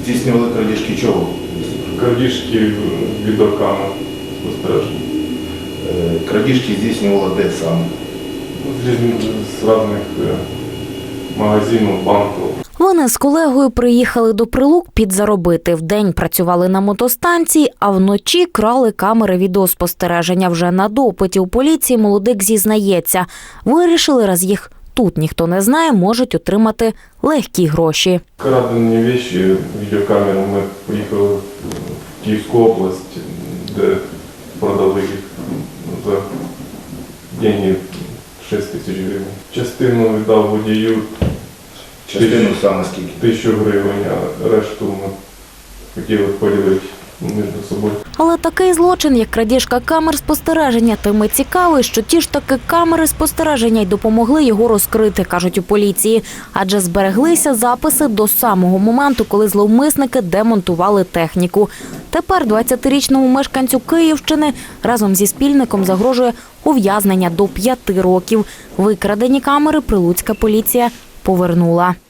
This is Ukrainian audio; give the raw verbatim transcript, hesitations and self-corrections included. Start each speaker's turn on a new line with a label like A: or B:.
A: Здійснювали крадіжки чого?
B: Крадіжки відеокамер спостереження.
A: Е, Крадіжки здійснювала де саме?
B: З різних з різних магазинів, банків.
C: Вони з колегою приїхали до Прилук підзаробити. Вдень працювали на мотостанції, а вночі крали камери відеоспостереження. Вже на допиті у поліції молодик зізнається. Вирішили, раз їх тут ніхто не знає, можуть отримати легкі гроші.
B: Крадені речі, відеокамери, ми поїхали в Київську область, де продали їх за гроші шість тисяч гривень. Частину віддав водію.
A: Частину саме скільки?
B: Тисячу гривень, а решту ми хотіли поділити між собою.
C: Але такий злочин, як крадіжка камер спостереження, тим і цікавий, що ті ж таки камери спостереження й допомогли його розкрити, кажуть у поліції. Адже збереглися записи до самого моменту, коли зловмисники демонтували техніку. Тепер двадцятирічному мешканцю Київщини разом зі спільником загрожує ув'язнення до п'яти років. Викрадені камери прилуцька поліція повернула.